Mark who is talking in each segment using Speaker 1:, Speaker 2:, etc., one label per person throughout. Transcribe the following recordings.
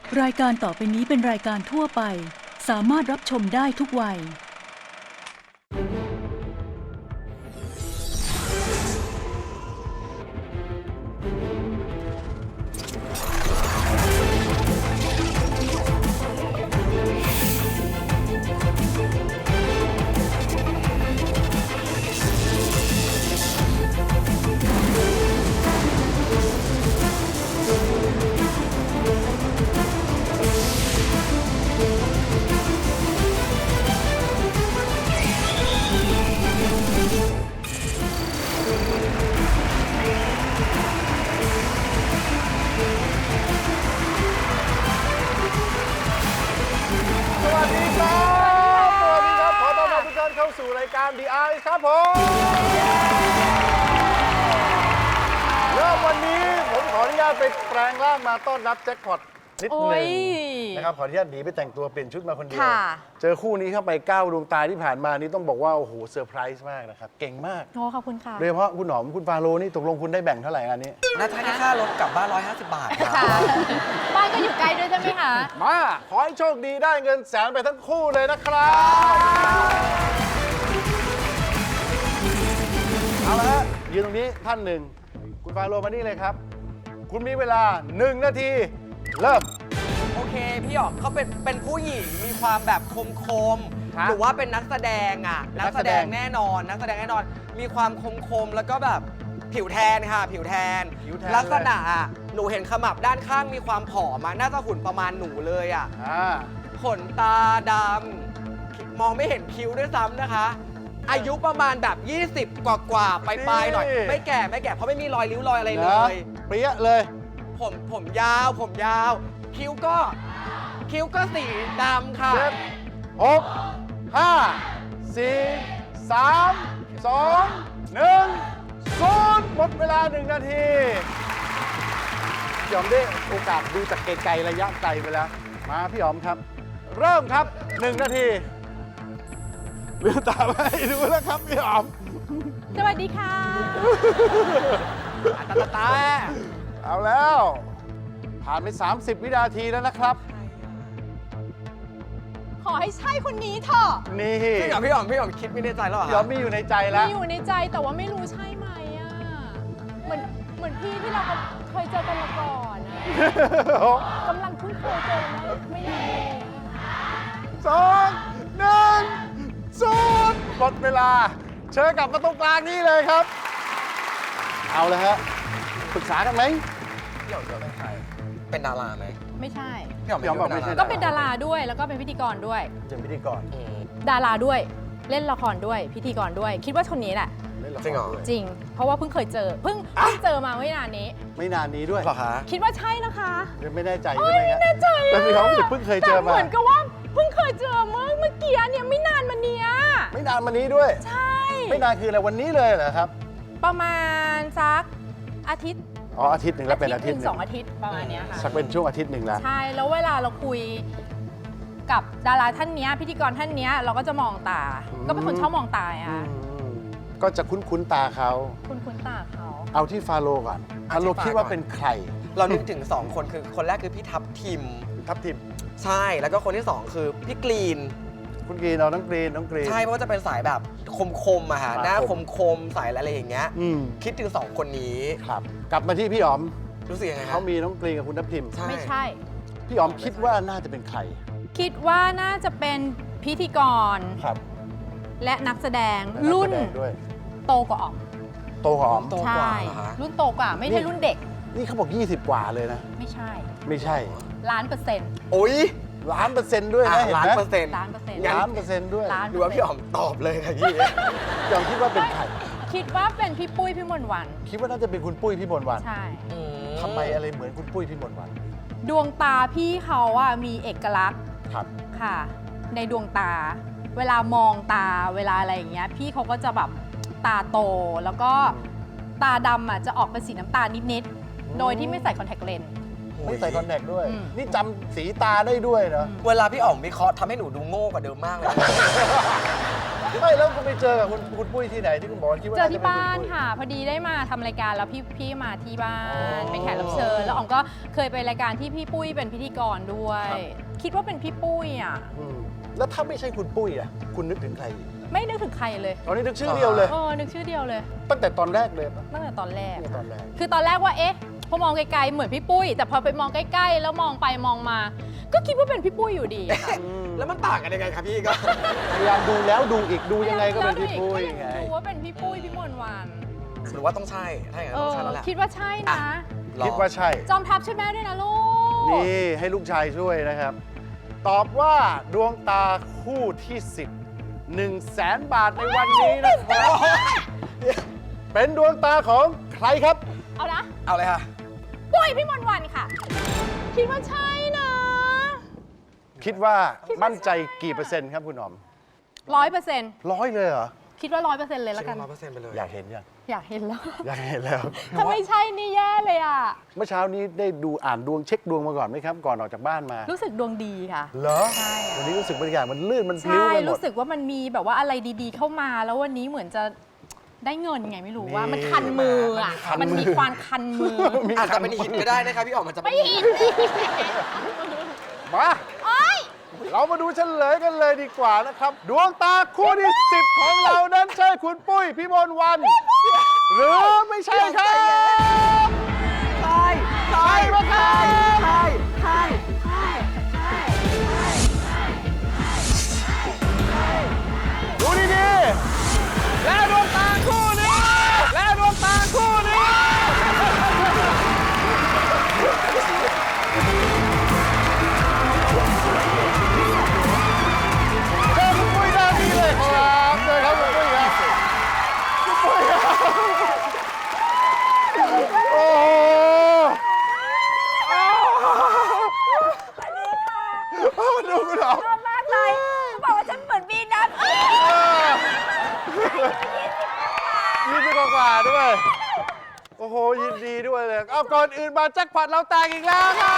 Speaker 1: รายการต่อไปนี้เป็นรายการทั่วไปสามารถรับชมได้ทุกวัย
Speaker 2: สวัสดีครับขอต้อนรับทุกท่านเข้าสู่รายการ The Eye ครับผมเริ่มวันนี้ผมขออนุญาตไปแปลงร่างมาต้อนรับแจ็คพอตนิดหนึ่งนะครับขออนุญาตหนีไปแต่งตัวเปลี่ยนชุดมาคนเดียวเจอคู่นี้เข้าไป9 ดวงตาที่ผ่านมานี่ต้องบอกว่าโอ้โหเซอร์ไพรส์มากนะครับเก่งมาก
Speaker 3: โอ้ขอบคุณค่ะ
Speaker 2: โดยเฉพาะคุณหนอมคุณฟาโรนี่ตกลงคุณได้แบ่งเท่าไหร่อันนี้
Speaker 4: น่าจะให้ค่ารถกลับบ้าน150 บาทครับ
Speaker 3: บ้านก็อยู่ไกลด้วยใช่ไหมคะ
Speaker 2: มาขอให้โชคดีได้เงินแสนไปทั้งคู่เลยนะครับเอาละฮะยืนตรงนี้ท่านหนึ่งคุณฟาโรมานี่เลยครับ คุณมีเวลา1 นาทีเริ่ม
Speaker 4: โอเค พี่หยอกเขาเป็นผู้หญิงมีความแบบคม
Speaker 2: ฮะ
Speaker 4: หรือว่าเป็นนักแสดงอ่ะ
Speaker 2: นั
Speaker 4: นั
Speaker 2: ก
Speaker 4: ก
Speaker 2: แส
Speaker 4: แส
Speaker 2: ด
Speaker 4: ด
Speaker 2: ง
Speaker 4: งแน่นอน นักแสดงแน่นอน มีความคมแล้วก็แบบผิวแทนค่ะ ผิวแทน ลักษณะอ่ะหนูเห็นขมับด้านข้างมีความผอมอะน่าจะหุ่นประมาณหนูเลยอ่ะ ขนตาดำมองไม่เห็นคิ้วด้วยซ้ำนะคะ อายุประมาณแบบ 20 กว่าๆปลายๆหน่อย ไม่แก่เพราะไม่มีรอยริ้วรอยอะไรเล
Speaker 2: นะ
Speaker 4: ย
Speaker 2: เปรี้ยเลย
Speaker 4: ผมยาว คิ้วก็สีดำค่ะ
Speaker 2: 7 6 5 4 3 2 1 0หมดเวลา1 นาทีพี่หอมได้โอกาสดูจากไกลๆระยะไกลไปแล้ว มาพี่หอมครับ เริ่มครับ 1 นาทีเลือตาไปดูแล้วครับพี่หอม
Speaker 3: สวัสดีค่ะ
Speaker 4: ตา
Speaker 2: เอาแล้ว ผ่านไป 30 วินาทีแล้วนะครับ
Speaker 3: ขอให้ใช่คนนี้เถอะ
Speaker 2: นี่
Speaker 4: พี่หอมคิดไม่ในใจแล้วเหรอ
Speaker 2: พี่หอมมีอยู่ในใจแล้ว
Speaker 3: มีอยู่ในใจแต่ว่าไม่รู้ใช่ไหมอ่ะ เหมือนพี่ที่เราเคยเจอกันมาก่อนอะกำลังเพิ่งเคยเจอไม่นานเอง
Speaker 2: 2 1 0หมดเวลา เชิญกลับมาตรงกลางนี่เลยครับ เอาเลยฮะปรึกษากันไหม
Speaker 4: พี่หอมเป็นใครเป็นดาราไหม
Speaker 3: ไม่ใช่
Speaker 4: พี่หอม
Speaker 2: พี่หอมบอกไม่ใช่
Speaker 3: ก็เป็นดาราด้วยแล้วก็เป็นพิธีกรด้วย
Speaker 2: เป็นพิธีกร
Speaker 3: ดาราด้วยเล่นละครด้วยพิธีกรด้วย คิดว่าคนนี้แหละ
Speaker 2: เล่นละค
Speaker 4: จริงเหรอ
Speaker 2: ด้วย
Speaker 3: จริง เพราะว่าเพิ่งเคยเจอเพิ่งเจอมาไม่นานนี้
Speaker 2: ไม่นานนี้ด้วย
Speaker 4: เหรอคะ
Speaker 3: คิดว่าใช่นะคะ
Speaker 2: ยังไม่แน่ใจใช่ไหมครับ
Speaker 3: แน่ใจอะ
Speaker 2: แต่มีความรู้สึกเพิ่งเคยเจอ
Speaker 3: แต่
Speaker 2: มา
Speaker 3: เหมือนกับว่าเพิ่งเคยเจอเมื่อกี้เนี่ยไม่นานมาเนี้ย
Speaker 2: ไม่นานมานี้ด้วย
Speaker 3: ใช่
Speaker 2: ไม่นานคืออะไรวันนี้เลยเหรอครับ
Speaker 3: ประมาณสักอาทิตย์
Speaker 2: อ๋ออาทิตย์หนึ่งแล้วเป็นอาทิตย์ห
Speaker 3: ห
Speaker 2: นึ่
Speaker 3: นึ่
Speaker 2: ง
Speaker 3: ง2 อาทิตย์ประมาณเนี้ยค่ะ
Speaker 2: สักเป็นช่วงอาทิตย์หนึ่งแล้ว
Speaker 3: ใช่แล้วเวลาเราคุยกับดาราท่านเนี้ยพิธีกรท่านเนี้ยเราก็จะมองตา ก็เป็นคนชอบมองตา
Speaker 2: อื
Speaker 3: อ่ะ
Speaker 2: มก็จะคุ้นๆตาเขา
Speaker 3: คุ้นตาเขา
Speaker 2: เอาที่ฟาโรห์ก่อนฟาโรห์คิดว่าเป็นใคร
Speaker 4: เรานึกถึง 2 คนคือคนแรกคือพี่ทับทิม
Speaker 2: ทัพทิม
Speaker 4: ใช่แล้วก็คนที่ 2 คือพี่กรีน
Speaker 2: คุณกรีนเอาน้องกรีนน้องกรีน
Speaker 4: ใช่เพราะว่าจะเป็นสายแบบคมๆอะฮะ
Speaker 2: ครับ
Speaker 4: หน้าคมๆสายอะไรอย่างเงี้ย
Speaker 2: อืม
Speaker 4: คิดถึง 2 คนนี้
Speaker 2: ครับ กลับมาที่พี่อ๋อม
Speaker 4: รู้สึกยังไงครั
Speaker 2: เขามีน้องกรีนกับคุณทัพทิม
Speaker 3: ไม่ใช่
Speaker 2: พี่อ๋อมคิดว่าน่าจะเป็นใคร
Speaker 3: คิดว่าน่าจะเป็นพิธีกร
Speaker 2: ครับ
Speaker 3: และนักแสดง
Speaker 2: และนัก
Speaker 3: รุ่น
Speaker 2: แสดงด้วย
Speaker 3: โตกว่าอ๋อม
Speaker 2: โตกว่าอ๋อม
Speaker 4: โตก
Speaker 3: ใช่
Speaker 4: ว่าเหรอคะ
Speaker 3: รุ่นโตกว่าไม่ใช่รุ่นเด็ก
Speaker 2: นี่เขาบอก 20 กว่าเลยนะ
Speaker 3: ไม่ใช่
Speaker 2: ไม่ใช่
Speaker 3: 1,000,000%
Speaker 4: โอ้ย
Speaker 2: 1,000,000%ด้วยนะเห็น
Speaker 4: ล้าน
Speaker 2: ไหม
Speaker 4: เปอร์เซ็นต์
Speaker 3: 1,000,000%
Speaker 2: 1,000,000%ด้วย
Speaker 3: ล้าน
Speaker 4: หรือว่าพี่อ๋อมตอบเลยค่ะพี่
Speaker 2: พี่อ๋อมคิดว่าเป็นใคร
Speaker 3: คิดว่าเป็นพี่ปุ้ยพี่มนต์วัน
Speaker 2: คิดว่าน่าจะเป็นคุณปุ้ยพี่มนต์วัน
Speaker 3: ใช่
Speaker 2: ทำไมอะไรเหมือนคุณปุ้ยพี่มนต์วัน
Speaker 3: ดวงตาพี่เขาอะมีเอกลักษณ์
Speaker 2: ครับ
Speaker 3: ค่ะ ในดวงตา เวลามองตาเวลาอะไรอย่างเงี้ยพี่เขาก็จะแบบตาโตแล้วก็ตาดำอะจะออกเป็นสีน้ำตาลนิดๆโดยที่ไม่ใส่คอนแทคเลนส์
Speaker 2: ไม่ใส่คอนแทคด้วย
Speaker 3: อืม
Speaker 2: นี่จำสีตาได้ด้วยเนาะ
Speaker 4: เวลาพี่อ๋อมวิเคราะห์ทำให้หนูดูโง่กว่าเดิมมากเลย
Speaker 2: พไม่แล้วคุณไปเจอกับคุณปุ้ยที่ไหนที่คุณบอกว่าคิดว่า
Speaker 3: เจอ
Speaker 2: น่าจะ
Speaker 3: ที่
Speaker 2: เป็น
Speaker 3: บ้า
Speaker 2: คุณ
Speaker 3: น
Speaker 2: ปุ้ย
Speaker 3: ค่ะ พอดีได้มาทำรายการแล้วพี่มาที่บ้า
Speaker 2: อ๋
Speaker 3: น
Speaker 2: อ
Speaker 3: เป็นแขกรับเชิญแล้วอ๋อมก็เคยไปรายการที่พี่ปุ้ยเป็นพิธีกรด้วย
Speaker 2: ครับ
Speaker 3: คิดว่าเป็นพี่ปุ้ยอ่ะ
Speaker 2: แล้วถ้าไม่ใช่คุณปุ้ยอ่ะคุณนึกถึงใครอีก
Speaker 3: ไม่นึกถึงใครเลย
Speaker 2: ตอนนี้นึกชื่อเดียวเลย
Speaker 3: นึกชื่อเดียวเลย
Speaker 2: ตั้งแต่ตอนแรกเลยปะ
Speaker 3: ตั้งแต่ตอนแรก
Speaker 2: เนี่ยตอนแรก
Speaker 3: คือตอนแรกว่าเอ๊ะพอมองไกลๆเหมือนพี่ปุ้ย แต่พอไปมองใกล้ๆแล้วมองไปมองมา ก็คิดว่าเป็นพี่ปุ้ยอยู่ดีค่ะ
Speaker 4: แล้วมันต่างกันยังไงครับพี่ก็
Speaker 2: พยายามดูแล้วดูอีกดูยังไงก็เป็นพี่ปุ้ย
Speaker 3: ก็ง
Speaker 2: ไง
Speaker 3: ดูว่าเป็นพี่ปุ้ยพี่มนต์วัน
Speaker 4: หรือว่าต้องใช่ ถ้าอย่างนั้นต้องใช่แล้วแหละ
Speaker 3: คิดว่าใช่นะ
Speaker 2: คิดว่าใช่
Speaker 3: จอมทัพช่วยแม่ด้วยนะลูก
Speaker 2: นี่ให้ลูกชายช่วยนะครับ ตอบว่าดวงตาคู่ที่ 10 100,000 บาทในวันนี้นะครับ เป็นดวงตาของใครครับ
Speaker 3: เอานะ
Speaker 4: เอาเลยค่ะ
Speaker 3: ปุ้ยพี่มนต์วันค่ะ คิดว่าใช่นะ
Speaker 2: คิดว่ามั่นใจกี่เปอร์เซ็นต์ครับคุณหนอม
Speaker 3: 100%
Speaker 2: ร้อยเลยเหรอ
Speaker 3: คิดว่า100%เลยแล้วกัน
Speaker 4: 100%ไปเลย
Speaker 2: อยากเห็นยัง
Speaker 3: อยากเห็นแล้ว
Speaker 2: อยากเห็นแล้ว
Speaker 3: ถ้าไม่ใช่นี่แย่เลยอ่ะ
Speaker 2: เมื่อเช้านี้ได้ดูอ่านดวงเช็คดวงมาก่อนไหมครับ ก่อนออกจากบ้านมา
Speaker 3: รู้สึกดวงดีค่ะ
Speaker 2: เหรอ
Speaker 3: ใช่อะ
Speaker 2: วันนี้รู้สึกบรรยากาศมันลื่นมันพลิ้ว
Speaker 3: ใช่
Speaker 2: ไปหมด
Speaker 3: รู้สึกว่ามันมีแบบว่าอะไรดีๆเข้ามา แล้ววันนี้เหมือนจะได้เงินไงไม่รู้ว่า
Speaker 2: นี่
Speaker 3: มันคันมืออ่ะ
Speaker 2: คันมือ
Speaker 3: มันมีความคันมือ
Speaker 4: อาจจะเป็นหินก็ได้นะครับพี่อ๋อมมันจะเป็นหิน
Speaker 2: มาเรามาดูเฉลยกันเลยดีกว่านะครับ ดวงตาคู่ที่ 10 ของเรานั้นใช่คุณปุ้ยพี่มนต์วัน หรือไม่ใช่ครับ
Speaker 4: ใช่ใช่
Speaker 2: ใช่ไหมครับ
Speaker 4: ใช่ใช่
Speaker 2: ดูดีๆและดวงตาคู่นี้ และดวงตาคู่นี้ เจอคุณปุ้ยด้านนี้เลยครับเจอครับคุณปุ้ยครับคุณปุ้ยครับโอ้โหดูคุณหรอ
Speaker 5: ชอบมากเลยเขาบอกว่าฉันเหมือนบีนัท
Speaker 2: 20 กว่าด้วย โอ้โห ยินดีด้วยเลย เอาก่อนอื่นมาแจ็คพอตเราแตกอีกแล้วครับ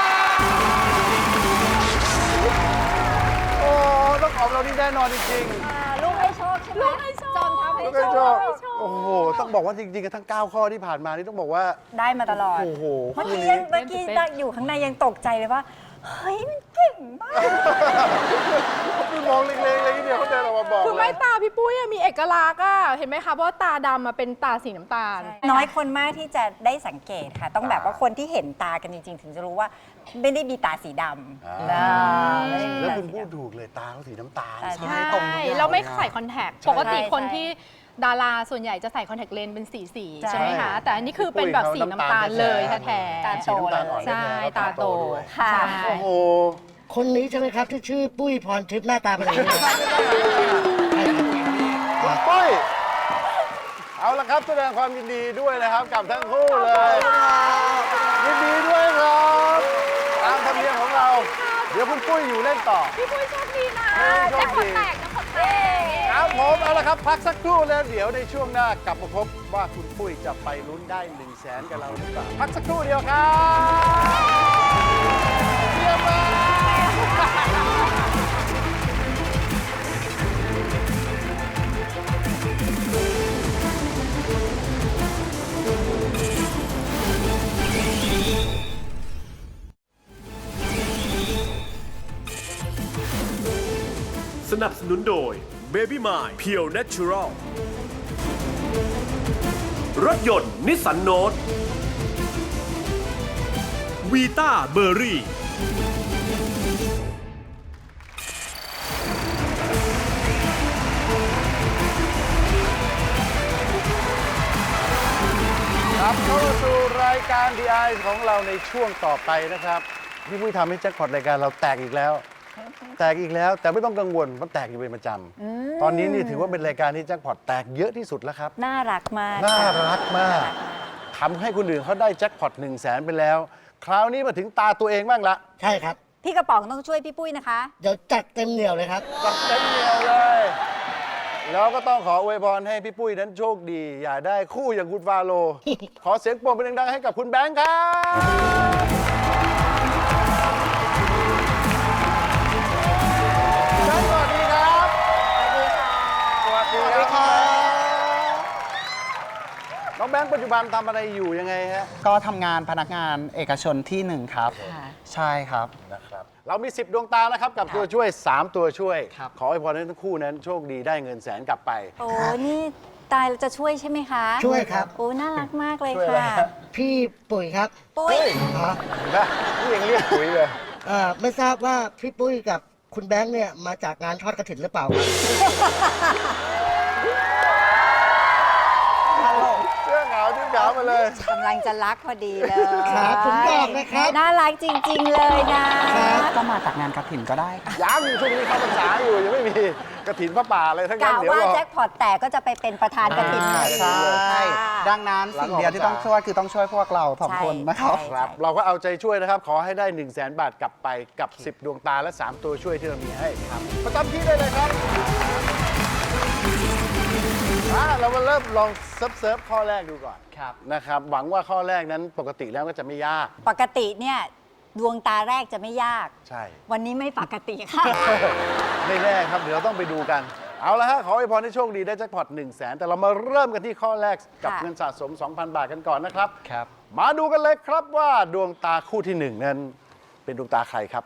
Speaker 2: โอ้ต้องขอบเรานี่แน่นอนจริงๆ
Speaker 5: ลูกให้โชคใช่ไหม
Speaker 3: ลูกให้โชค
Speaker 5: จอมทัพให้
Speaker 2: แล้ว
Speaker 5: โช
Speaker 2: ก็ชอบ
Speaker 5: ค
Speaker 2: โอ้โห ต้องบอกว่าจริงๆกันทั้ง 9 ข้อที่ผ่านมานี่ต้องบอกว่า
Speaker 5: ได้มาตลอด
Speaker 2: โอ้โห
Speaker 5: เมื่อ
Speaker 2: คู่
Speaker 5: กี้
Speaker 2: นี้
Speaker 5: นั่งอยู่ข้างในยังตกใจเลยว่า เฮ้ย มันเก่งมาก
Speaker 2: คือมองเล็กๆเลยทีเดียวเขาเดินออกมาบอก
Speaker 3: คือ
Speaker 2: เล
Speaker 3: ไม่
Speaker 2: ย
Speaker 3: ตาพี่ปุ้ยอะมีเอกลักษณ์อะเห็นไหมคะเพราะว่าตาดำอะเป็นตาสีน้ำตาล
Speaker 5: น้อยคนมากที่จะได้สังเกตค่ะ ต้องแบบว่าคนที่เห็นตากันจริงๆ ถึงจะรู้ว่าไม่ได้มีตาสีดำนะไม่ได้มี
Speaker 2: แล้ว
Speaker 5: ตา
Speaker 2: คุณ
Speaker 5: สี
Speaker 2: พูด
Speaker 5: ดำ
Speaker 2: ถูกเลยตาเขาสีน้ำตาล
Speaker 5: ใช่
Speaker 3: ใช่
Speaker 4: ตรงทุกอย่าง
Speaker 3: เราไม่
Speaker 4: เลยนะ
Speaker 3: ใส่คอนแทค
Speaker 2: ใช่
Speaker 3: ปกติคน
Speaker 5: ใช่
Speaker 3: ที่ดาราส่วนใหญ่จะใส่คอนแทคเลนส์เป็นสี
Speaker 5: ใช่
Speaker 3: ใช่ไหมคะ แต่อันนี้คือเป็นแบบสีน้ำตาลเลยแท้ๆ
Speaker 5: ตาโต
Speaker 2: สีน้ำตาลอ่อน
Speaker 3: ใช่
Speaker 2: แท้ๆ
Speaker 3: ตาโต
Speaker 2: ด้วย
Speaker 5: ค่ะ
Speaker 3: ใช่
Speaker 2: โอ้โห
Speaker 6: คนนี้ใช่ไหมครับ ที่ชื่อปุ้ยพรทิพย์หน้าตาเป็นอย่างนี้
Speaker 2: คุณปุ้ย เอาละครับแสดงความยินดีด้วยนะครับกับทั้งคู่เลย ยินดีด้วยครับตามธรรมเนียมของเรา เดี๋ยวคุณปุ้ยอยู่เล่นต่อ
Speaker 3: พี่ปุ้ยโชคดีนะ
Speaker 2: โชคดี
Speaker 3: แจ็คพอตแตก
Speaker 2: ครับผมเอาละครับ พักสักครู่แล้วเดี๋ยวในช่วงหน้ากลับมาพบว่าคุณปุ้ยจะไปลุ้นได้ 100,000 กับเราหรือเปล่าพักสักครู่เดียวครับเยี่ยมมาก
Speaker 7: สนับสนุนโดย Baby Mine Pure Natural รถยนต์นิสสันโนตวีต้าเบอร์รี่
Speaker 2: ครับเข้าสู่รายการ The Eye ของเราในช่วงต่อไปนะครับ พี่ปุ้ยทำให้แจ็คพอตรายการเราแตกอีกแล้ว แตกอีกแล้ว แต่ไม่ต้องกังวลมันแตกอยู่เป็นประจำตอนนี้นี่ถือว่าเป็นรายการที่แจ็คพอตแตกเยอะที่สุดแล้วครับ
Speaker 5: น่ารักมาก
Speaker 2: น่ารักมากทำให้คนอื่นเขาได้แจ็คพอต100,000 ไปแล้ว คราวนี้มาถึงตาตัวเองบ้างละ
Speaker 6: ใช่ครับ
Speaker 5: พี่กระป๋องต้องช่วยพี่ปุ้ยนะคะ
Speaker 6: เดี๋ยวจัดเต็มเหนียวเลยครับ
Speaker 2: จัดเต็มเหนียวเลย แล้วก็ต้องขออวยพรให้พี่ปุ้ยนั้นโชคดี อย่าได้คู่อย่างคุณฟาโล ขอเสียงปรบมือดังๆให้กับคุณแบงค์ครับแบงค์สวัสดีครับ
Speaker 5: สวัสดีค่ะ
Speaker 2: ปัจจุบันทำอะไรอยู่ยังไงฮะ
Speaker 8: ก็ทำงานพนักงานเอกชนที่หนึ่งครับ
Speaker 5: ค่ะ
Speaker 8: ใช่ครับ
Speaker 2: นะครับเรามี 10 ดวงตานะครับกับตัวช่วย 3 ตัวช่วย
Speaker 8: ครับ
Speaker 2: ขอให้พรให้ทั้งคู่นั้นโชคดีได้เงินแสนกลับไป
Speaker 5: โอ้นี่ตายจะช่วยใช่ไหมคะ
Speaker 6: ช่วยครับ
Speaker 5: โอ้น่ารักมากเลย
Speaker 2: ช่วยอะไร
Speaker 5: ค่ะ
Speaker 2: ฮะ
Speaker 6: พี่ปุ๋ยครับ
Speaker 5: ปุ้ย
Speaker 6: อ๋อ
Speaker 2: เห็นปะนี่ยังเรียกปุ๋ยเลย
Speaker 6: ไม่ทราบว่าพี่ปุ้ยกับคุณแบงค์เนี่ยมาจากงานทอดกระถิ่นหรือเปล่าครับ
Speaker 2: เสื้อขาวชุดขาวมาเลย
Speaker 5: กำลังจะรักพอดีเลย
Speaker 6: ครับผมบอกนะครับ
Speaker 5: น่ารักจริง ๆ เลยนะ
Speaker 8: ก็มาจากงานกระถินก็ได้ครับ
Speaker 2: ยังช่วงนี้เข้าพรรษาอยู่ยังไม่มีกระถินพระป่าเลยทั้งนั้น
Speaker 5: กะ
Speaker 2: เดี๋ยว
Speaker 5: ว่าร
Speaker 2: อ
Speaker 5: แจ็คพอตแตกก็จะไปเป็นประธานกระถิ่น
Speaker 8: ใช่
Speaker 5: ค่ะ
Speaker 8: ดังนั้นสิ่งเดียวที่ต้องช่วยคือต้องช่วยพวกเราสองคนนะครับ
Speaker 5: ใช่
Speaker 2: ครับเราก็เอาใจช่วยนะครับ ขอให้ได้ 1 0 0 0 0แบาทกลับไปกับ 10 ดวงตาและ 3 ตัวช่วยที่เรามีให้ครับประจำที่ได้เลยครับเรามาเริ่มลองเซิร์ฟข้อแรกดูก่อน
Speaker 8: ครับ
Speaker 2: นะครับหวังว่าข้อแรกนั้นปกติแล้วก็จะไม่ยาก
Speaker 5: ปกติเนี่ยดวงตาแรกจะไม่ยาก
Speaker 2: ใช่
Speaker 5: วันนี้ไม่ปกติค่ะ
Speaker 2: ไม่แน่ครับ เดี๋ยวเราต้องไปดูกัน เอาละฮะ ขอให้พรให้โชคดีได้แจ็คพอต1 0 0 0 0แสนแต่เรามาเริ่มกันที่ข้อแรกกับ
Speaker 5: ค่ะ
Speaker 2: เงินสะสม 2,000 บาทกันก่อนนะครับ
Speaker 8: ครับ
Speaker 2: มาดูกันเลยครับว่าดวงตาคู่ที่ 1 นั้น เป็นดวงตาใครครับ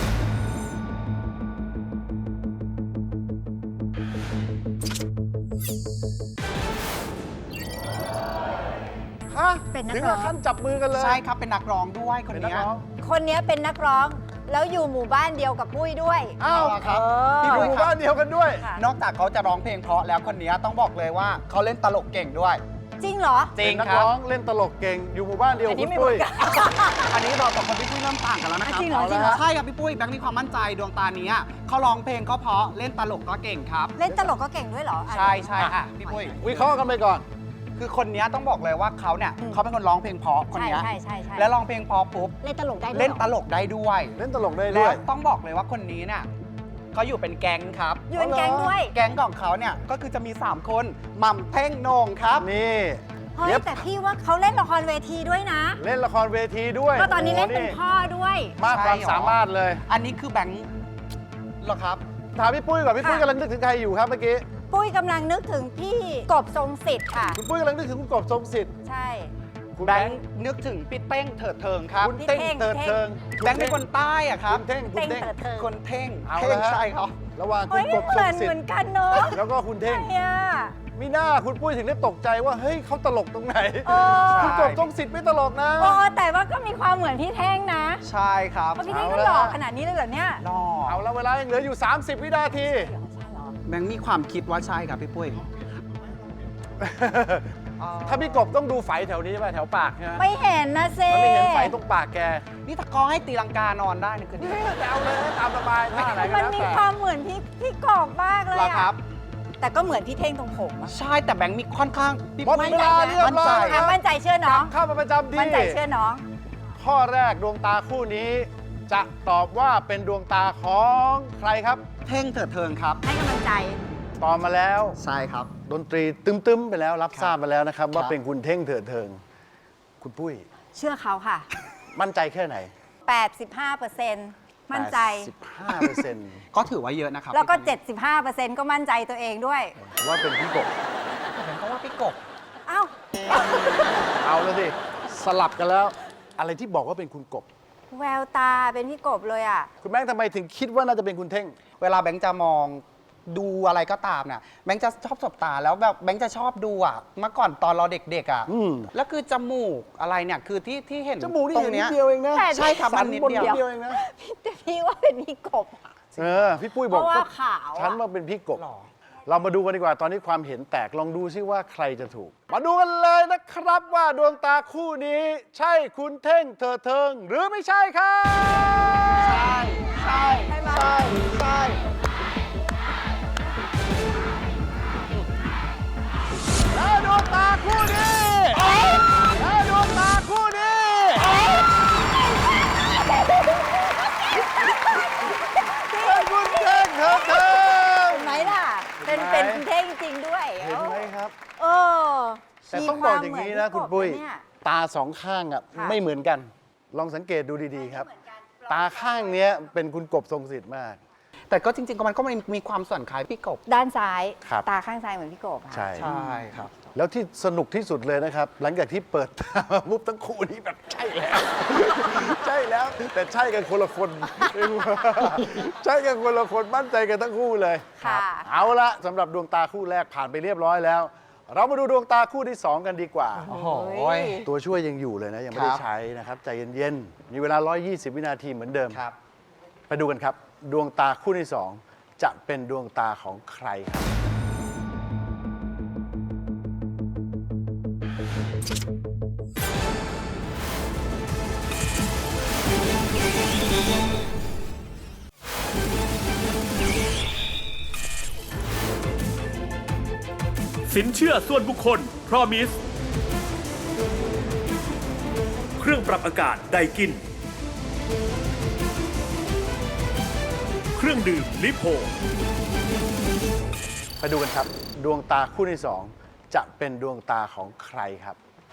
Speaker 2: ฮะ
Speaker 5: เป็นนัก
Speaker 2: ถึง
Speaker 5: ร้
Speaker 2: กั
Speaker 5: อบ ง
Speaker 2: ขั้นจับมือกันเลย
Speaker 8: ใช่ครับเป็นนักร้องด้วยคน
Speaker 2: เป็นนัก
Speaker 8: เนี้ย
Speaker 2: ร้อง
Speaker 5: คนนี้เป็นนักร้อง แล้วอยู่หมู่บ้านเดียวกับปุ้ยด้วย
Speaker 2: อ้าว
Speaker 8: ครับ
Speaker 2: ที่หมู่บ้านเดียวกันด้วย
Speaker 5: ค่ะ
Speaker 8: นอกจากเขาจะร้องเพลงเพราะแล้วคนเนี้ยต้องบอกเลยว่าเขาเล่นตลกเก่งด้วย
Speaker 5: จริงเหรอ
Speaker 8: จริง
Speaker 2: เป็นนัก
Speaker 8: ครับ
Speaker 2: ร้องเล่นตลกเก่งอยู่หมู่บ้านเดียว
Speaker 5: อันนี้
Speaker 2: คุณ
Speaker 5: ไม่
Speaker 2: ปุ้ย
Speaker 5: เหมือนกัน
Speaker 8: อันนี้เรากับคนพี่ปุ้ยเริ่มต่างกันแล้วนะครับ
Speaker 5: จริงเหรอจริงเหรอ
Speaker 8: ใช่ครับพี่ปุ้ยแบงค์มีความมั่นใจดวงตาเนี้ยเขาร้องเพลงก็เพราะเล่นตลกก็เก่งครับ
Speaker 5: เล่นตลกก็เก่งด้วยเหรอ
Speaker 8: ใช่ใช่อ่ะพี่ปุ้ย
Speaker 2: วิเคราะห์กันไปก่อน
Speaker 8: คือคนเนี้ยต้องบอกเลยว่าเขาเนี่ยเขาเป็นคนร้องเพลงเพราะคน
Speaker 5: ใช่
Speaker 8: เนี้ย
Speaker 5: ใช่ใช่ใช่
Speaker 8: แล้วร้องเพลงเพราะปุ๊บ
Speaker 5: เล่นตลกได้ด้วย
Speaker 8: เล่น
Speaker 5: หรอ
Speaker 8: ตลกได้ด้วย
Speaker 2: เล่นตลกได้ด้
Speaker 8: แล้ว
Speaker 2: วย
Speaker 8: ต้องบอกเลยว่าคนนี้เนี่ยเขาอยู่เป็นแก๊งครับ
Speaker 5: อยู่เป็นแก๊งด้วย
Speaker 8: แก๊งของเขาเนี่ยก็คือจะมี 3 คนหม่ำเท่งโหนงครับ
Speaker 2: นี่
Speaker 5: เฮ้ย
Speaker 2: เย็บ
Speaker 5: แต่พี่ว่าเขาเล่นละครเวทีด้วยนะ
Speaker 2: เล่นละครเวทีด้วย
Speaker 5: ก็ตอนนี้เล่นเป็น
Speaker 2: โโห
Speaker 5: พ่อด้วย
Speaker 2: มากความ
Speaker 8: ใช่หรอ
Speaker 2: สามารถเลย
Speaker 8: อันนี้คือแบงค์เหรอครับ
Speaker 2: ถามพี่ปุ้ยก่อนพี่ปุ้ย
Speaker 5: ค่ะ
Speaker 2: กำลังนึกถึงใครอยู่ครับเมื่อกี้
Speaker 5: ปุ้ยกำลังนึกถึงพี่กบทรงสิทธิ์ค่ะ
Speaker 2: คุณปุ้ยกำลังนึกถึงคุณกบทรงสิทธิ์
Speaker 5: ใช่
Speaker 2: คุณ
Speaker 8: แบ
Speaker 2: แบ
Speaker 8: ง
Speaker 2: ง
Speaker 8: ค์
Speaker 2: ค์
Speaker 8: นึกถึงพี่เต้งเถิดเทิงครับ
Speaker 2: คุณ
Speaker 5: พี่
Speaker 2: เท่ง
Speaker 5: เท่ง
Speaker 2: เติร์ดเทิง
Speaker 8: แบงค์เป็นคนใต้อะครับ
Speaker 2: คุณเท่งคุณ
Speaker 5: เต้ง
Speaker 2: เท่ง
Speaker 5: เถิดเทิง
Speaker 8: คนเท่ง
Speaker 2: เอา
Speaker 8: เท่ง
Speaker 2: ละฮะ
Speaker 8: ใช่ครับ
Speaker 2: ระหว่างคุ
Speaker 5: เฮ้
Speaker 2: ณ
Speaker 5: ย
Speaker 2: กบ
Speaker 5: เห
Speaker 2: ทร
Speaker 5: มือง น
Speaker 2: สิ
Speaker 5: เห
Speaker 2: ท
Speaker 5: มือน
Speaker 2: ธิ์
Speaker 5: กันเนอะ
Speaker 2: แล้วก็คุณเท่ง
Speaker 5: เนี่ย
Speaker 2: มีหน้าคุณปุ้ยถึงได้ตกใจว่าเฮ้ยเขาตลกตรงไหน
Speaker 5: โอ้
Speaker 2: คุณกบทรงสิทธิ์ไม่ตลกนะ
Speaker 5: โอ้แต่ว่าก็มีความเหมือนพี่เท่งนะ
Speaker 8: ใช่ครับ
Speaker 5: เพราะพี่เท่ง
Speaker 2: เอา
Speaker 5: ก็
Speaker 2: ละ
Speaker 5: หล่อขนาดนี้เลยเหรอเนี่ย
Speaker 8: นอ
Speaker 2: เอาละเวลายังเหลืออยู่ 30 วินาที
Speaker 8: แบงค์มีความคิดว่าใช่ครับพี่ปุ้ย
Speaker 2: ถ้าพี่กบต้องดูไฝแถวนี้ป่ะแถวปากใช่ไหม
Speaker 5: ไม่เห็นนะเซ
Speaker 2: มันไม่เห็นไฝตรงปากแก
Speaker 8: นี่ถ้ากอให้ตีลังกานอนได้นี่คือดี
Speaker 2: แต่เอาเลยตามสบายท่าไหนก็
Speaker 5: มัน
Speaker 2: แล้ว
Speaker 5: มี
Speaker 2: แต่
Speaker 5: ความเหมือนพี่กบมากเลย
Speaker 8: เหรอครั
Speaker 5: อะ
Speaker 8: บ
Speaker 5: แต่ก็เหมือนพี่เท่งตรงผมอะ
Speaker 8: ใช่แต่แบงค์มีค่อนข้างพี่
Speaker 2: หมดเวลาเรียบร้อย
Speaker 5: อ่ะมั่นใจเชื่อน้อง
Speaker 2: เข้ามาประจำที่
Speaker 5: มั่นใจเชื่อน้อง
Speaker 2: ข้อแรกดวงตาคู่นี้ จะตอบว่าเป็นดวงตาของใครครับ
Speaker 8: เท่งเถิดเทิงครับ
Speaker 5: ให้กำลังใจ
Speaker 2: ตอบมาแล้ว
Speaker 8: ใช่ครับ
Speaker 2: ดนตรีตึมๆไปแล้วรับทราบมาแล้วนะครับ ว่า
Speaker 8: ครับ
Speaker 2: เป็นคุณเท่งเถิดเทิง คุณปุ้ย
Speaker 5: เชื่อเขาค่ะ
Speaker 2: มั่นใจแค่ไหน
Speaker 5: 85%มั่นใจ
Speaker 2: 15%
Speaker 8: ก็ถือว่าเยอะนะครับ
Speaker 5: แล้วก็
Speaker 8: พี่ปุ้ย
Speaker 5: 75%ก็มั่นใจตัวเองด้วย
Speaker 2: ว่าเป็นพี่กบ
Speaker 8: ผมก็ว่าพี่กบ
Speaker 5: เอ้า
Speaker 2: เอาแล้วสิ สลับกันแล้ว อะไรที่บอกว่าเป็นคุณกบ
Speaker 5: แววตาเป็นพี่กบเลยอ่ะ
Speaker 2: คุณแม่งทำไมถึงคิดว่าน่าจะเป็นคุณเท่ง
Speaker 8: เวลาแบงค์จะมองดูอะไรก็ตามเนี่ยแบงค์จะชอบสบตาแล้วแบบแบงค์จะชอบดูอ่ะเมื่อก่อนตอนเราเด็กๆอ่ะ
Speaker 2: อืม
Speaker 8: แล้วคือจมูกอะไรเนี่ยคือที่เห็น
Speaker 2: จมูกนี่
Speaker 8: ตร
Speaker 2: เห็
Speaker 8: ง
Speaker 2: นนิ
Speaker 8: เนี้
Speaker 2: ด
Speaker 8: ย
Speaker 2: เดียวเองนะ
Speaker 5: แต่
Speaker 8: ใช่ครับ
Speaker 2: สั
Speaker 8: มัน นนิด
Speaker 2: บน
Speaker 8: เดียว
Speaker 2: นิดเดียวเองนะ
Speaker 5: แต่พี่ว่าเป็นพี่กบ
Speaker 2: พี่ปุ้ยบอก
Speaker 5: เพราะว่า
Speaker 2: ก็
Speaker 5: ขาวอะ
Speaker 2: ฉันว่าเป็นพี่กบ
Speaker 8: หรอ
Speaker 2: เรามาดูกันดีกว่าตอนนี้ความเห็นแตกลองดูซิว่าใครจะถูก มาดูกันเลยนะครับว่าดวงตาคู่นี้ ใช่คุณเท่งเถิดเทิง หรือไม่ใช่ครับ
Speaker 8: ใช่ใช่
Speaker 5: ใช่ไหม
Speaker 8: ใช่ใช่
Speaker 2: และดวงตาคู่นี้และดวงตาคู่นี้เป็นคุณเท่งเถิดเทิง
Speaker 5: เห็นไหมล่ะ เป็น
Speaker 2: เห็นไหม
Speaker 5: คุณเท่งจริงด้วย
Speaker 2: เห็นไหมครับ
Speaker 5: เออ
Speaker 2: แต่ต้องบอกอย่างนี้นะคุณปุ้ย
Speaker 5: มีวามเหมือนพี่กบนะเนี่ย
Speaker 2: ตาสองข้างอ่ะ
Speaker 5: ค่ะ
Speaker 2: ไม่เหมือนกัน ลองสังเกตดูดีๆครับ ตาข้างเนี้ยเป็นคุณกบทรงสิทธิ์มาก
Speaker 8: แต่ก็จริงๆก็มันก็มีความส่วนคล้ายพี่กบ
Speaker 5: ด้านซ้าย
Speaker 2: ครับ
Speaker 5: ตาข้างซ้ายเหมือนพี่กบค่ะ
Speaker 2: ใช่
Speaker 8: ใช่ครับ
Speaker 2: แล้วที่สนุกที่สุดเลยนะครับ หลังจากที่เปิดตามาปุ๊บทั้งคู่นี้แบบใช่แล้ว ใช่แล้ว แต่ใช่กันคนละคน ใช่กันคนละคนมั่นใจกันทั้งคู่เลย
Speaker 5: ค่ะ
Speaker 2: เอาละสำหรับดวงตาคู่แรกผ่านไปเรียบร้อยแล้ว เรามาดูดวงตาคู่ที่ 2 กันดีกว่า
Speaker 8: โอ้โห
Speaker 2: ตัวช่วยยังอยู่เลยนะ ยังไม่ได้
Speaker 8: ครับ
Speaker 2: ใช้นะครับ ใจเย็นๆ มีเวลา 120 วินาทีเหมือนเดิม
Speaker 8: ครับ
Speaker 2: ไปดูกันครับ ดวงตาคู่ที่ 2 จะเป็นดวงตาของใครครับ
Speaker 7: สินเชื่อส่วนบุคคล Promise เครื่องปรับอากาศไดกิน เครื่องดื่มลิโพ
Speaker 2: ไปดูกันครับ ดวงตาคู่ที่ 2 จะเป็นดวงตาของใครครับ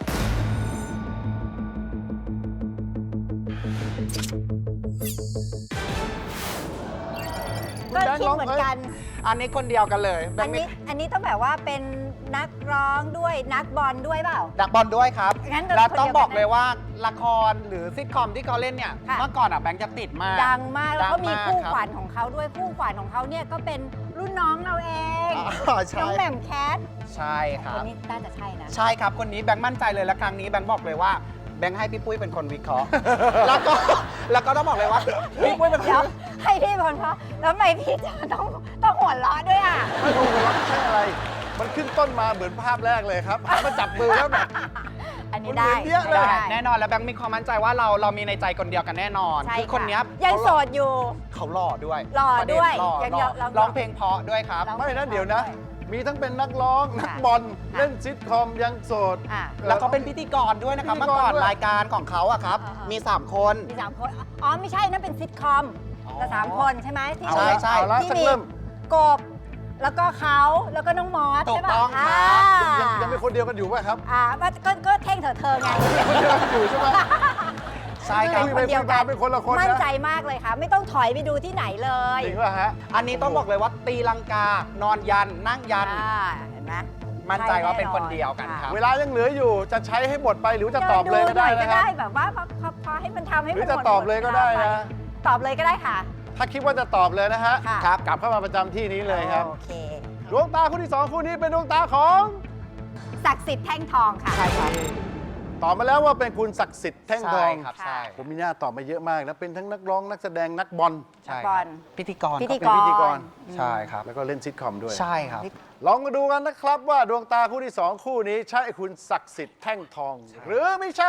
Speaker 5: ก็คิดเหมือนกัน
Speaker 8: อันนี้คนเดียวกันเลยแบ
Speaker 5: อั
Speaker 8: ง
Speaker 5: น
Speaker 8: ค์
Speaker 5: นี้อันนี้ต้องแบบว่าเป็นนักร้องด้วยนักบอลด้วยเปล่า
Speaker 8: ดักบอลด้วยครับ
Speaker 5: งั้นก็
Speaker 8: แล้วต้อง
Speaker 5: คนเดียวกัน
Speaker 8: บอกเลยว่าละครหรือซิทคอมที่เขาเล่นเนี่ย
Speaker 5: ค่ะ
Speaker 8: เมื่อก่อนอ่ะแบงค์จะติดมาก
Speaker 5: ดังมากแล้วก็มี
Speaker 8: ดังมาก
Speaker 5: คู่
Speaker 8: ครับ
Speaker 5: ขวัญของเขาด้วยคู่ขวัญของเขาเนี่ยก็เป็นรุ่นน้องเราเอง
Speaker 8: อ๋อใช่
Speaker 5: น้องแหม่มแคท
Speaker 8: ใช่ค
Speaker 5: ค
Speaker 8: รั
Speaker 5: น
Speaker 8: บ
Speaker 5: นี้น่าจะใช่นะ
Speaker 8: ใช่ครับ คนนี้แบงค์มั่นใจเลยและครั้งนี้แบงค์บอกเลยว่าแบงค์ให้พี่ปุ้ยเป็นคนวิเคราะห์ แล้วก็ต้องบอกเลยว่าพี่ปุ้ยเป็นค
Speaker 5: เดี๋ยวน ให้พี่พลเพราะแล้วทำไมพี่จะต้องหัวเราะด้วยอ่ะ
Speaker 2: ไม่รู้ว่าใช่อะไร มันขึ้นต้นมาเหมือนภาพแรกเลยครับหันมาจับมือแล้วแบบ
Speaker 5: อันนี้ได้
Speaker 2: มันเหมือนเยอะเลย
Speaker 5: ได้
Speaker 8: แน่นอนแล้วแบงค์มีความมั่นใจว่าเรามีในใจคนเดียวกันแน่นอน
Speaker 5: ใช่
Speaker 8: คือคนเนี้ย
Speaker 5: ะยังโสดอยู่
Speaker 8: เขาหล่อด้วย
Speaker 5: หล่อ
Speaker 8: ประเน
Speaker 5: ด้วย
Speaker 8: หล่อ
Speaker 5: ยัง
Speaker 8: หล่อ
Speaker 5: ลอง
Speaker 8: ร้องเพลงเพราะด้วยครับ
Speaker 5: ร้อง
Speaker 2: ไม่นะเดี๋ยวนะ มีทั้งเป็นนักร้อง นักบอล
Speaker 5: ค่ะ
Speaker 2: เล่นซิทคอมยังโสด
Speaker 5: อ่ะ
Speaker 8: แล้วเขาเป็นพิธีกรด้วยนะครับ
Speaker 2: พิธี
Speaker 8: เมื่
Speaker 2: กร
Speaker 8: อก่อน
Speaker 2: ด้วย
Speaker 8: รายการของเขาอะครับ
Speaker 5: อ่าๆ
Speaker 8: มี 3 คน
Speaker 5: มี3 คน อ๋อ ไม่ใช่ นั่นเป็นซิทคอมแต่3 คนใช่ไหมที่
Speaker 8: ใช่ใช่
Speaker 2: เอาละ
Speaker 5: ที่
Speaker 2: สัก
Speaker 5: มี
Speaker 2: เริ่ม
Speaker 5: กบ แล้วก็เขาแล้วก็น้องมอส
Speaker 8: ถู
Speaker 5: ใช่
Speaker 8: ก
Speaker 5: ป่ะ
Speaker 8: ต้องครับ
Speaker 2: ยังเป็นคนเดียวกันอยู่ป่ะครับ
Speaker 5: ก็เท่งเธอไง
Speaker 2: คนเดียวกันอยู่ใช่ไหม
Speaker 8: ใช่ครับ
Speaker 2: คุยไปคุยมาเป็นคนละคนนะ
Speaker 5: มั่นใจมากเลยค่ะ ไม่ต้องถอยไปดูที่ไหนเลย
Speaker 2: จริงป่ะฮะ
Speaker 8: อันนี้ต้องบอกเลยว่าตีลังกานอนยันนั่งยัน
Speaker 5: เห็นไหม
Speaker 8: มั่นใจว่าเป็นคนเดียวกันครับ
Speaker 2: เวลายังเหลืออยู่จะใช้ให้หมดไปหรือจะตอบเลยก็ได้
Speaker 5: หน่
Speaker 2: นะครับ
Speaker 5: แบบว่าพอให้มันทำให้
Speaker 2: ห
Speaker 5: มัน
Speaker 2: รือจะตอบเลยก็ได้นะ
Speaker 5: ตอบเลยก็ได้ค่ะ
Speaker 2: ถ้าคิดว่าจะตอบเลยนะฮะ
Speaker 5: ค่ะ
Speaker 2: ครับกลับเข้ามาประจำที่นี้เลยครับ
Speaker 5: โอเค
Speaker 2: ดวงตาคู่ที่ 2 คู่นี้เป็นดวงตาของ
Speaker 5: ศักดิ์สิทธิ์แท่งทองค่ะ
Speaker 8: ใช่ครับ
Speaker 2: ตอบมาแล้วว่าเป็นคุณศักดิ์สิทธิ์แท่งท
Speaker 8: ใช่
Speaker 2: อง
Speaker 8: ครับใช่
Speaker 2: ผมมีหน้าตอบมาเยอะมากนะเป็นทั้งนักร้องนักแสดงนักบอล
Speaker 8: ใช่
Speaker 5: บอล
Speaker 8: พิธีกร
Speaker 5: พิธี
Speaker 2: เป็นพิธีกร
Speaker 8: ใช่ครับ
Speaker 2: แล้วก็เล่นซิทคอมด้วย
Speaker 8: ใช่ครับ
Speaker 2: ลองมาดูกันนะครับว่าดวงตาคู่ที่ 2 คู่นี้ใช่คุณศักดิ์สิทธิ์แท่งทอง หรือไม่ใช่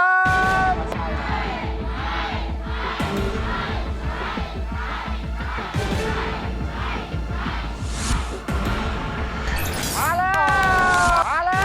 Speaker 2: ครับมาแล้วมาแล้ว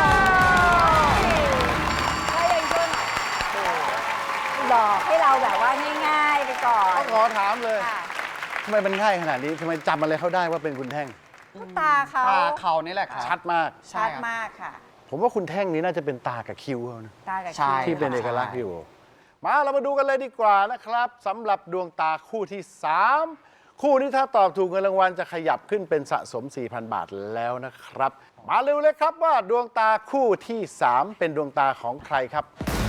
Speaker 5: ก็ยังช่วยหลอกให้เราแบบว่าง่ายๆไปก่อน
Speaker 2: ต้องขอถามเลย
Speaker 5: ค่ะ
Speaker 2: ทำไมมันง่ายขนาดนี้ทำไมจำอะไรเขาได้ว่าเป็นคุณแท่ง
Speaker 5: ตาเขา
Speaker 8: ตาเขานี่แหละครับ
Speaker 2: ชัดมาก
Speaker 5: ชัดมากค่ะ
Speaker 2: ผมว่าคุณแท่งนี้น่าจะเป็นตากับคิ้วเขานะ
Speaker 5: ตากับ
Speaker 8: ใช่
Speaker 5: คิ้ว
Speaker 2: ที่เป็นเอกลักษณ์อยู่ มาเรามาดูกันเลยดีกว่านะครับสำหรับดวงตาคู่ที่ 3 คู่นี้ถ้าตอบถูกเงินรางวัลจะขยับขึ้นเป็นสะสม 4,000 บาทแล้วนะครับ มาเร็วเลยครับว่าดวงตาคู่ที่ 3 เป็นดวงตาของใครครับ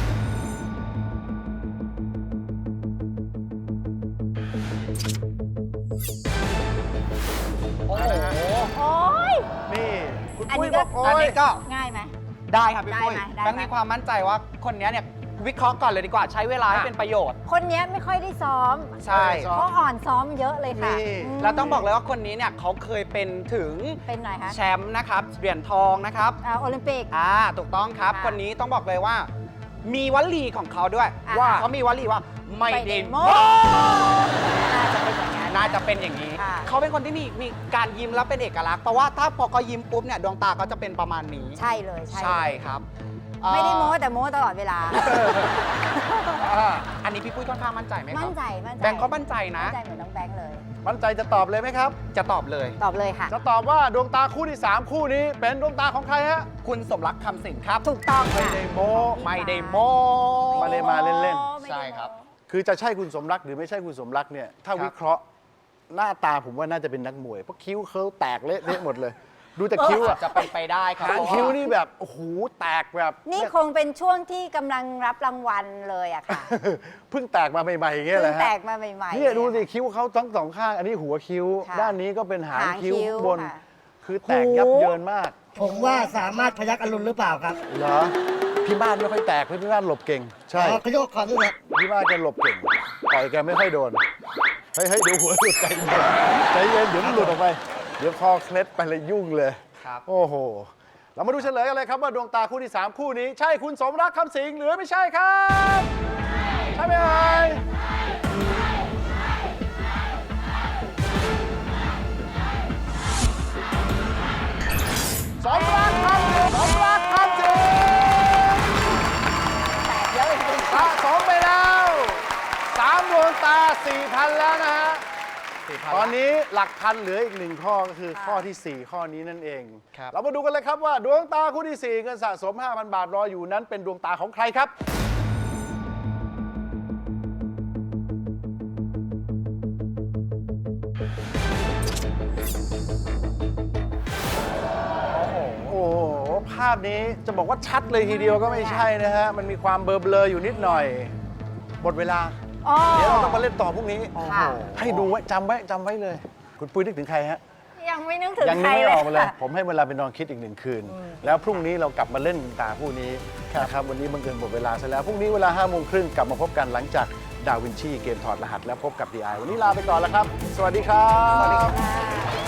Speaker 8: โอ้โห
Speaker 5: โอ้ย
Speaker 2: นี่คุณ
Speaker 5: อัน
Speaker 2: ปุ้ย
Speaker 5: นี้
Speaker 2: บ
Speaker 5: ก็
Speaker 2: อกโอ้
Speaker 8: อัน
Speaker 2: ย
Speaker 8: นี้ก็
Speaker 5: ง่ายไหม
Speaker 8: ได้ครับพี่ปุ้ย
Speaker 5: ได้ไหม
Speaker 8: แบงค์มีความมั่นใจว่าคนนี้เนี่ยวิเคราะห์ก่อนเลยดีกว่าใช้เวลาให้เป็นประโยชน์
Speaker 5: คนเนี้ยไม่ค่อยได้ซ้อม
Speaker 8: ใช่
Speaker 5: เพราะอ่อนซ้อมเยอะเลยค่ะ
Speaker 2: นี่
Speaker 8: แล้วต้องบอกเลยว่าคนนี้เนี่ยเขาเคยเป็นถึง
Speaker 5: เป็นไหนคะ
Speaker 8: แชมป์นะครับเหรียญทองนะครับ
Speaker 5: โอลิมปิก
Speaker 8: ถูกต้องครับ
Speaker 5: ค่ะ
Speaker 8: คนนี้ต้องบอกเลยว่า มีวลีของเขาด้วย
Speaker 5: อ่า
Speaker 8: ว่าเขามีวลีว่าไม่เดโม
Speaker 5: น่าจะเป็นอย่างนั้น
Speaker 8: น่าจะเป็นอย่างนี้
Speaker 5: ค่ะ
Speaker 8: เขาเป็นคนที่มีการยิ้มแล้วเป็นเอกลักษณ์เพราะว่าถ้าพอเขายิ้มปุ๊บเนี่ยดวงตาเขาจะเป็นประมาณนี้
Speaker 5: ใช่เลยใช่
Speaker 8: ใช่ครับ
Speaker 5: ไม่ได้โม้
Speaker 8: เอ่อ
Speaker 5: แต่โม้ตลอดเวลา
Speaker 8: อันนี้พี่ปุ้ยค่อนข้างมั่นใจไหมครั
Speaker 5: มั่นใจมั่นใจ
Speaker 8: แบงค์ก็มั่นใจนะ
Speaker 5: มั่นใจเหมือนน้องแบงค์เลย
Speaker 2: มั่นใจจะตอบเลยไหมครับ
Speaker 8: จะตอบเลย
Speaker 5: ตอบเลยค่ะ
Speaker 2: จะตอบว่าดวงตาคู่ที่ 3 คู่นี้เป็นดวงตาของใครฮะ
Speaker 8: คุณสมรักคำสิงห์ครับ
Speaker 5: ถูกต้อง
Speaker 2: ไม่
Speaker 5: ค่ะ
Speaker 2: ได้โม
Speaker 8: ไม่ได้โม
Speaker 2: มาเลยมาเล่น
Speaker 5: ไม่ได้โม้
Speaker 8: ใช่ครับ
Speaker 2: คือจะใช่คุณสมรักหรือไม่ใช่คุณสมรักเนี่ยถ้า
Speaker 8: ครับ
Speaker 2: วิเคราะห์หน้าตาผมว่าน่าจะเป็นนักมวยเพราะคิ้วเขาแตกเละเทะหมดเลยดูแต่คิ้วอะ
Speaker 4: จะเป็นไปได้ครับ
Speaker 2: หางคิ้วนี่แบบโอ้โหแตกแบบ
Speaker 5: นี่คงเป็นช่วงที่กำลังรับรางวัลเลยอะค่ะ
Speaker 2: เพิ่งแตกมาใหม่ๆอย่างเงี้ย
Speaker 5: เพิ่
Speaker 2: แห
Speaker 5: ง
Speaker 2: ละ
Speaker 5: แต
Speaker 2: ฮะ
Speaker 5: กมาใหม่ๆ
Speaker 2: เนี่ยดูสิคิ้วเขาทั้งสองข้างอันนี้หัวคิ้ว
Speaker 5: ค่ะ
Speaker 2: ด้านนี้ก็เป็นหางคิ้ว
Speaker 5: หางคิ้ว
Speaker 2: บน
Speaker 5: ค่ะ
Speaker 2: คือแตกยับเยินมาก
Speaker 6: ผมว่าสามารถพยักอรุณหรือเปล่าครับ
Speaker 2: เหรอพี่บ้านไม่ค่อยแตกพี่บ้านหลบเก่ง ใช่
Speaker 6: อ๋อขยโยกก่อนนี่แหละ
Speaker 2: พี่บ้านแกหลบเก่งต่อยแกไม่ค่อยโดนเฮ้ยเดี๋ยวหัวหลุดใจเย็นใจเย็นเดี๋ยวมันหลุดออกไป เดี๋ยวคอเคล็ดไปเลยยุ่งเลย
Speaker 4: ครับ
Speaker 2: โอ้โหเรามาดูเฉลยกันเลยครับว่าดวงตาคู่ที่3คู่นี้ใช่คุณสมรักคำสิงห์หรือไม่ใช่ครับใช่ไหมเอ่ยสมรักคำสิงห์สมรักคำสิงห์สะสมไปแล้ว3ดวงตา 4,000 แล้วนะฮะ ตอนนี้หลักพันเหลืออีก1ข้อก็คือข้อที่ 4 ข้อนี้นั่นเอง
Speaker 4: ครับ
Speaker 2: เรามาดูกันเลยครับว่าดวงตาคู่ที่ 4 เงินสะสม 5,000 บาทรออยู่นั้นเป็นดวงตาของใครครับ โอ้โห ภาพนี้จะบอกว่าชัดเลยทีเดียวก็ไม่ใช่นะฮะ มันมีความเบลอๆอยู่นิดหน่อย หมดเวลา
Speaker 5: อ๋อ
Speaker 2: เดี๋ยวเราต้องมาเล่นต่อพรุ่งนี้
Speaker 5: ค่ะ
Speaker 2: ให้ดูไว้จำไว้เลย คุณปุ้ยนึกถึงใครฮะ
Speaker 5: ยังไม่นึกถึง
Speaker 2: ยัง
Speaker 5: ใค
Speaker 2: นึ
Speaker 5: ร
Speaker 2: กไม่
Speaker 5: เล
Speaker 2: อย อกมาเลย
Speaker 5: ค่ะ
Speaker 2: ผมให้เวลาไปนอนคิดอีก1 คืน แล้วพรุ่งนี้เรากลับมาเล่นตาคู่นี้นะครับวันนี้บังเอิญหมดเวลาซะแล้ว พรุ่งนี้เวลา 5 โมงครึ่งกลับมาพบกันหลังจากดาวินชีเกมถอดรหัสแล้วพบกับ DI วันนี้ลาไปก่อนแล้วครับ สวัสดีครับ
Speaker 5: ค่ะ